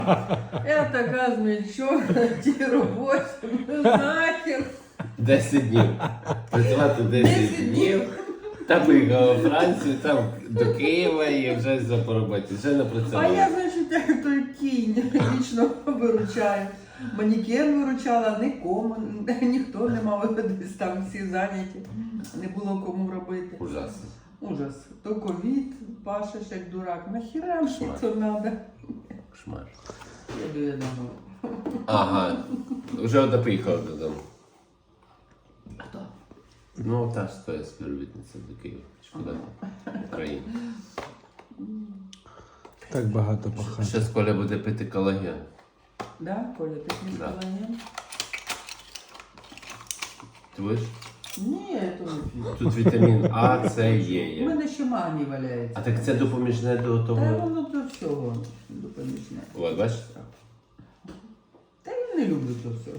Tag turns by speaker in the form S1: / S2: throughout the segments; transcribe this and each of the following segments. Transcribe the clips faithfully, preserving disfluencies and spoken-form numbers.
S1: Я така змельчона, ті робочі, ну нахер.
S2: десять днів. Працювати десять днів. Та поїхала у Францію, там до Києва і вже за по роботі. Вже не
S1: А
S2: працювала.
S1: я, значить, як той кінь вічно виручаю. Манекен виручала, нікому, ніхто не мав, десь там всі зайняті, не було кому робити.
S2: Ужасно.
S1: Ужас. То ковід, пашеш як дурак. Нахіра мені
S2: Кошмар.
S1: то треба?
S2: Кошмар.
S1: Їду я додому.
S2: Ага. Вже одна поїхала додому.
S1: Хто?
S2: Ну, та ж твоя співробітниця до Києва. Шкода. Україна.
S3: Так багато пахати.
S2: Ще з Коля буде пити колаген.
S1: Да, Коля, ти не
S2: Да.
S1: колаген?
S2: Ти будеш?
S1: Ні, я то не п'ю.
S2: Тут вітамін А, С, Є
S1: У
S2: є.
S1: мене ще магній валяється.
S2: А так це допоміжне до
S1: Та
S2: того.
S1: воно до всього допоміжне.
S2: От, бачиш?
S1: Та я не люблю то все.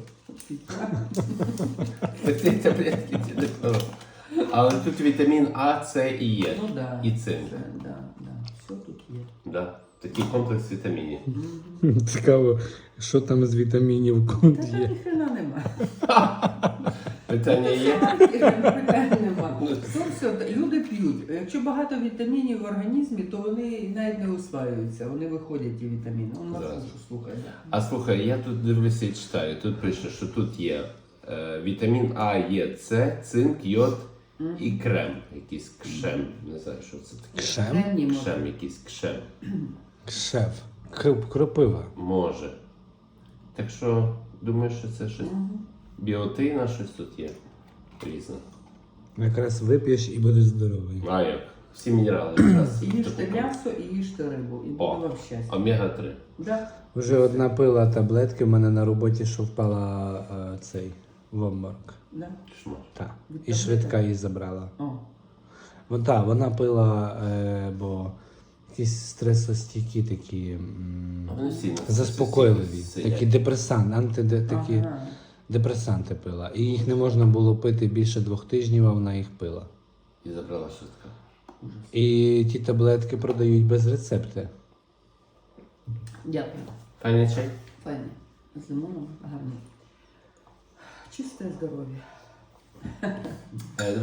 S2: Ці таблетки ці не того. Але тут вітамін А, С і Є.
S1: Ну да.
S2: І цинк.
S1: Це, да, да. Все тут є.
S2: Да. Такий комплекс вітамінів.
S3: Цікаво, що там з вітамінів кунд
S1: Та там
S3: є.
S1: ніхрена нема.
S2: Питання є?
S1: Питань нема. То все, люди п'ють. Якщо багато вітамінів в організмі, то вони навіть не усваюються. Вони виходять ті вітаміни. Он на
S2: Зараз.
S1: слухай, слухай.
S2: А слухай, я тут дивлюся і читаю. Тут пише, що тут є е, вітамін А, Є, С, цинк, йод і крем. Якийсь кшем. Не знаю, що це таке.
S3: Кшем?
S1: Кремній може.
S2: Кшем, якийсь кшем.
S3: Кшеф. Кроп- Кропива.
S2: Може. Так що, думаю, що це щось біотина, щось тут є. Різне.
S3: Якраз вип'єш і будеш здоровий.
S2: А як? Всі мінерали якраз.
S1: Їжте м'ясо і їжте рибу. І буде
S2: О,
S1: вам щастя.
S2: омега три.
S1: Да.
S3: Вже одна пила таблетки в мене на роботі, що впала е, цей в обморок.
S1: Да.
S2: Шмар.
S3: Так.
S1: Від
S3: І швидка її забрала.
S1: О.
S3: Вон, та, вона пила, е, бо якісь стресостійкі такі м,
S2: А вони всі на
S3: заспокійливі,
S2: сидять.
S3: такі депресанти, антиде, такі
S1: Ага.
S3: депресанти пила. І їх не можна було пити більше двох тижнів, а вона їх пила.
S2: І забрала швидка.
S3: І ті таблетки продають без рецепти.
S1: Дякую.
S2: Пані чай?
S1: Файне. З лимоном гарно. Чисте здоров'я.
S2: Е,